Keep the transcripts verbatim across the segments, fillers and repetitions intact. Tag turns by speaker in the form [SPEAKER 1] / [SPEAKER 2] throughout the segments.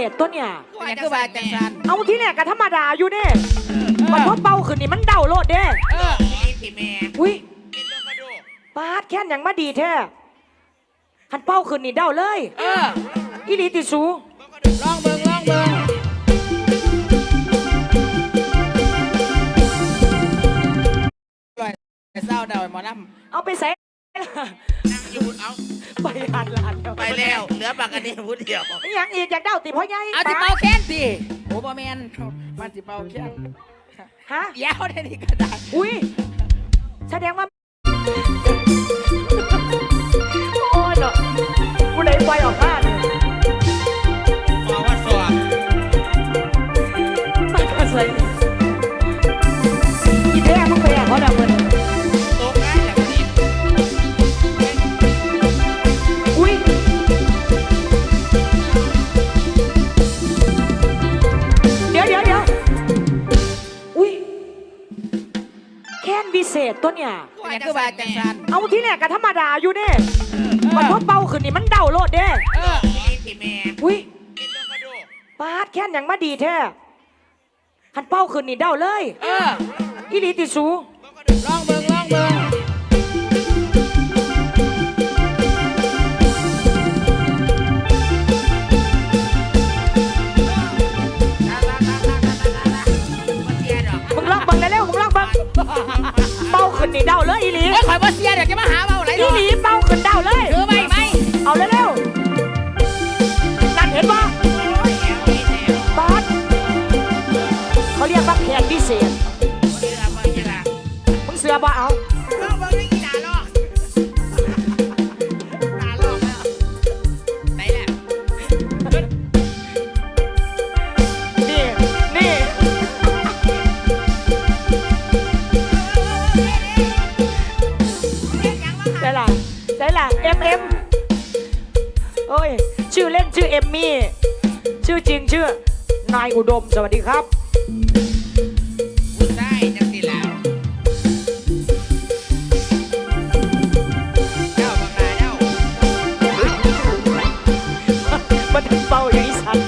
[SPEAKER 1] ษตัวเนี่ย
[SPEAKER 2] อย่างคือว่าจังสัน
[SPEAKER 1] เอาที่แรกก็ธรรมดาอยู่เนี่ยมันพอเป่าขึ้นนี่มันเดาโลดเด้
[SPEAKER 2] เออพี่แม่
[SPEAKER 1] อุ้ยปาดแค่นอย่างมาดีแท้คันเป่าขึ้นนี่เดาเลย
[SPEAKER 2] เออ
[SPEAKER 1] อีหลีติสู
[SPEAKER 2] ลองเบิ่งลองเบิ่งเศร้าเดาหมอลำ
[SPEAKER 1] เอาไปใส่
[SPEAKER 3] นั่งอยู่เอา
[SPEAKER 1] ไปหาหลาน
[SPEAKER 3] ไปแล้วเหลือปากกันนี่พูดเดียว
[SPEAKER 1] ยังอีกอยากเดาติพ่อใหญ่
[SPEAKER 2] เอาติเป่าแค้นสิโอ้บ่แมนมันติเป่าแค้น
[SPEAKER 1] ฮะ
[SPEAKER 2] ยาวได้นี่ก็ได้
[SPEAKER 1] อุ้ยแสดงว่าโอ้ยเนาะกูได้ไฟออกมาเนี่ย
[SPEAKER 3] บอกว่าสอบ
[SPEAKER 1] มันก็ใส่อีแม่มึงไปอ่ะเขาดับมัน
[SPEAKER 3] ตกได้อย่างนี้
[SPEAKER 1] อุ้ยเดี๋ยวเดี๋ยวเดี๋ยวอุ้ยแค้นวิเศษตัวเนี่ย
[SPEAKER 2] อย่างคือว่าจังสัน
[SPEAKER 1] เอาที่แรกก็ธรรมดาอยู่เนี่ยมันพอเป่าขึ้นนี่มันเดาโลดเด้
[SPEAKER 2] เออ
[SPEAKER 3] พี่แม่
[SPEAKER 1] อุ้ยปาดแค้นอย่างมาดีแท้คันเป่าขึ้นนี่เดาเลย
[SPEAKER 2] เออ
[SPEAKER 1] อีหลีติสู
[SPEAKER 2] ลองเบิ่งลองเบิ่ง
[SPEAKER 1] มึงลองเบิ่งเร็วมึงลองเบิ่งเป่าขึ้นนี่เดาเลยอีหลี
[SPEAKER 2] เอ้ยข่อยบ่เสียเดี๋ยวจะมาหาเบาไหล
[SPEAKER 1] อีหลีเป่าขึ้นเดาเลย
[SPEAKER 2] คือไหมไหม
[SPEAKER 1] เอาเร็วๆนั่นเห็นป่ะปาดเขาเรียกว่าแค้นวิเศษมึงเสือบ่เอานี่นี่ได้ล่ะได้ล่ะเอ็มเอ็มโอ้ยชื่อเล่นชื่อเอมมี่ชื่อจริงชื่อนายอุดมสวัสดีครับ
[SPEAKER 3] พูดได้จังสิแล้วเจ้าบังนาเจ้า
[SPEAKER 1] มันถึงเป่าอย่างนี้สัน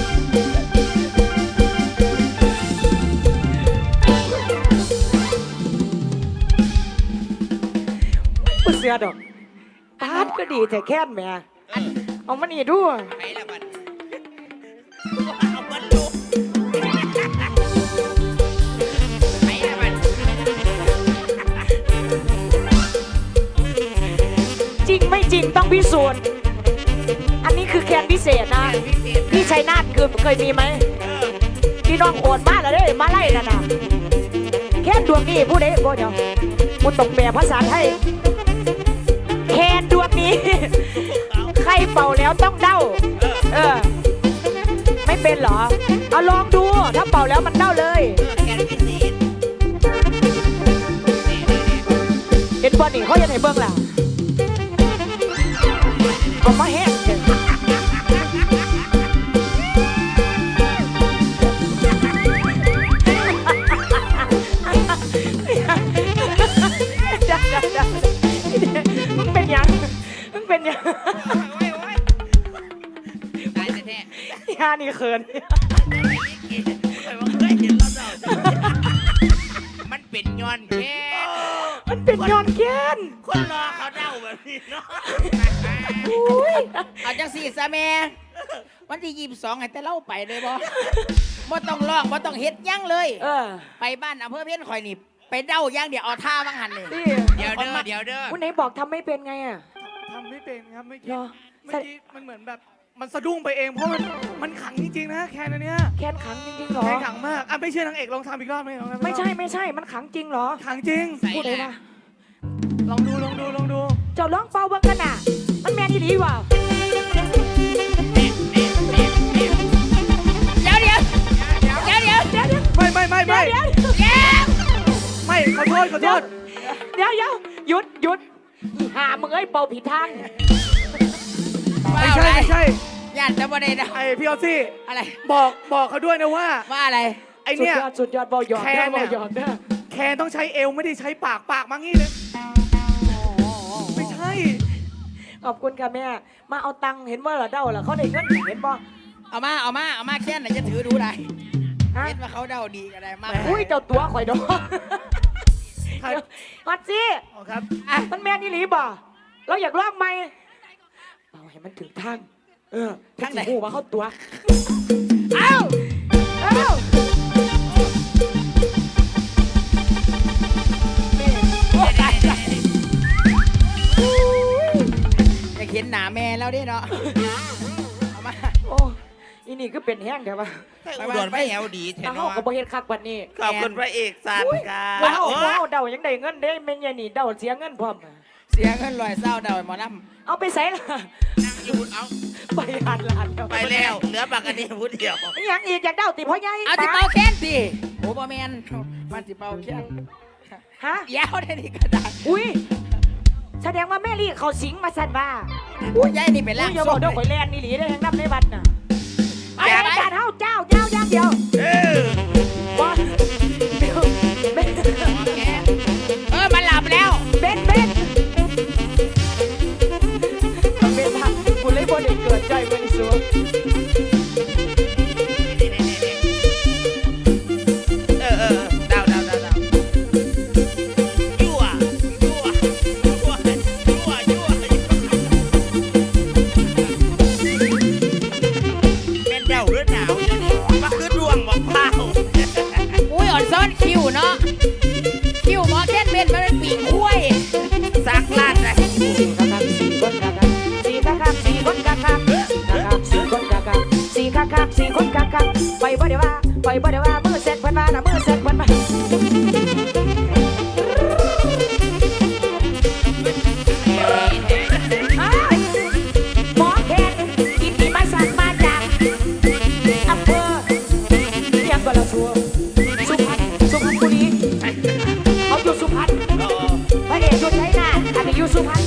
[SPEAKER 1] กูเสือดอกปาดก็ดีแต่แค่นแม่เอามานี่ดู
[SPEAKER 3] ไปละบัดเอาบัดลูกไปละบัด
[SPEAKER 1] จริงไม่จริงต้องพิสูจน์อันนี้คือแคนพิเศษนะพี่ชัยนาทคือเคยมีไหมพี่น้องโอดมาแล้วเด้มาไล่นั่นน่ะแคนดวงนี้ผู้ใดบ่เดี๋ยวกูตกแปลภาษาไทยแคนดวงนี้ใครเป่าแล้วต้องเด้าเออไม่เป็นเหรอเอาลองดูถ้าเป่าแล้วมันเด้าเลยเห็นบอลนี่เขาจะไหนเบิ้งล่ะเอามาแห้งมึงเป็นยังมึงเป็นยัง
[SPEAKER 3] ตายแท้
[SPEAKER 1] ยานี่เขิน
[SPEAKER 3] มันเป็นย้อนแค่
[SPEAKER 1] มันเป็นย้อนแค้น
[SPEAKER 3] คนรอเขาเดาแบบนี้เนาะ
[SPEAKER 2] เอาจังสี่ซะแม่วันที่ยี่สิบสองไงแต่เล่าไปเลยบ่บ่ต้องร้องบ่ต้องเฮ็ดยั่งเลย
[SPEAKER 1] เออ
[SPEAKER 2] ไปบ้านอำเภอเพี้ยนข่อยนี่ไปเด้าย่างเดี๋ยวเอาท่าบ้างหันเลย
[SPEAKER 3] เดี๋ยวเด้อเดี๋ยวเด้อ
[SPEAKER 1] คุณไหนบอกทำไม่เป็นไงอ่ะ
[SPEAKER 4] ทำไม่เป็นครับเมื่อกี้เมื่อกี้มันเหมือนแบบมันสะดุ้งไปเองเพราะมันมันขังจริงๆนะแคนอันเนี้ย
[SPEAKER 1] แคนขังจริงๆเหรอ
[SPEAKER 4] แคนขังมากอ่ะไม่เชื่อนางเอกลองทำอีกรอบไหมลอง
[SPEAKER 1] ไม่ใช่ไม่ใช่มันขังจริงเหรอ
[SPEAKER 4] ขังจริง
[SPEAKER 1] พูดเลยนะ
[SPEAKER 4] ลองดูลองดูลองดู
[SPEAKER 1] เจ้าร้องเป่าเบิ้งกันน่ะมันแมนดีว่ะ
[SPEAKER 2] เดี๋ยวเดี๋ยวเดี๋ยวเดี๋ยวเดี๋ยวเดี๋ยว
[SPEAKER 4] ไม่ไม่ไม่ไม่
[SPEAKER 1] เดี๋ยว
[SPEAKER 4] ไม่ขอโทษขอโทษ
[SPEAKER 1] เดี๋ยวเดี๋ยวหยุดหยุดหามึงเอ้ยเป่าผิดทาง
[SPEAKER 4] ไม่ใช่ไม่ใช่
[SPEAKER 2] ญาติจะบ่ได้นะ
[SPEAKER 4] ไอพี่ออซี่
[SPEAKER 2] อะไร
[SPEAKER 4] บอกบอกเขาด้วยนะว่า
[SPEAKER 2] ว่าอะไร
[SPEAKER 4] ไอเนี้ย
[SPEAKER 1] สุดยอดบอลยอด
[SPEAKER 4] แคนเนี่ยแคนต้องใช้เอวไม่ได้ใช้ปากปากมางี้เลยไม่ใช่
[SPEAKER 1] ขอบคุณค่ะแม่มาเอาตังค์เห็นว่าเหรอเด้าเหรอเขาได้เงินเห็นบ่
[SPEAKER 2] เอามาเอามาเอามาแค่ไหนจะถือดูได้
[SPEAKER 1] ฮะ
[SPEAKER 2] เห็นว่าเขาเดาดีก็ได้มาก
[SPEAKER 1] อุ้ยเจ้าตัวข่อยดอก
[SPEAKER 4] ครับ
[SPEAKER 1] ฮอตซี่
[SPEAKER 4] อ๋อครับ
[SPEAKER 1] อ่ะมันแม่นอี่หลีบ่เราอยากลองไหมเอาให้มันถึงทางเออทางไหนหูมาเข้าตัวเอ้าเอ้า
[SPEAKER 2] โอ้ตายตายอยากเห็นหนาแม่แล้วดิเนาะเอามา
[SPEAKER 1] โอ้อีนี่ก็เป็นแห้งเดี๋ยวว่า
[SPEAKER 3] ให้อุดรไม่แอวดีแท้
[SPEAKER 1] ถ้า
[SPEAKER 3] เนาะ
[SPEAKER 1] เฮาก็บ่เฮ็ดคักบัดนี้
[SPEAKER 3] ขอบคุณพระเอกสันค่ะ
[SPEAKER 1] ว้าว
[SPEAKER 3] โอ้
[SPEAKER 1] ว้าวเดายังได้เงินเด้แม่นยายนี่เดาเสียเงินพร้อมอะ
[SPEAKER 2] เสียเงินลอยเศร้าเดาหมอล
[SPEAKER 1] เอาไปใส่ล่ะ
[SPEAKER 3] นั่งอยู่เอา
[SPEAKER 1] ไปหาดลานเดี๋ยว
[SPEAKER 3] ไปแล้วเหลือบักอันนี้พูดเดียว
[SPEAKER 1] อีหยังอีกอยากเดาติพ่อใหญ่
[SPEAKER 2] ำเอาสิเป่าแค้นสิโอ้บอแมนมันสิเป่าแค้น
[SPEAKER 1] ฮะ
[SPEAKER 2] ยาวได้นี่ก็ได้
[SPEAKER 1] อุ้ยแสดงว่าแม่ลี่เขาสิงมาสั่นว่า
[SPEAKER 2] อุ้ยยายนี่เป็น
[SPEAKER 1] อุ้
[SPEAKER 2] ร่าย ง
[SPEAKER 1] อย่า
[SPEAKER 2] ท
[SPEAKER 1] บ
[SPEAKER 2] ร
[SPEAKER 1] อก
[SPEAKER 2] ง
[SPEAKER 1] เด้อข่อยแลนนี่หลีได้อยังนับในบัตรน่ะไอ้อาจารย์เฮาเจ้าเจ้าอย่างเดียว
[SPEAKER 3] เออ
[SPEAKER 1] บ่เดี๋ยวเบน
[SPEAKER 2] เออมันหลับแล้ว
[SPEAKER 1] เบนเบนเบนทักกูเลยบ่ได้เกิดใจบ่ได้สัว
[SPEAKER 3] เออเออเดาเดาเดาเดายั่วยั่วยั่วยั่วยั่วเป็นเดาหรือหนาวอยู่นี่มาคือดวงบอกเปล่า
[SPEAKER 2] อุ้ยอ่อนซ้อนคิวเนาะคิวหมอแค้นเป็นมันเป็นปีกคุ้ย
[SPEAKER 3] สักลาดนะ
[SPEAKER 1] สี่คักคักสี่คนคักคักสี่คนคักคักสี่คักคักสี่คนคักคักสี่คักคักสี่คนคักคักไปบ่ได้ว่าไปบ่ได้ว่ามือเสร็จเพิ่นมาน่ะมือเสร็จเพิ่นมาอ้าวหมอแคนกินดีมาสั่งมาจากอำเภอยังก็ละชัวสุพรรณสุพรรณบุรีเขาอยู่สุพรรณ
[SPEAKER 3] โอ้
[SPEAKER 1] พระเอกอยู่ชัยนาทอันนี้อยู่สุพรรณ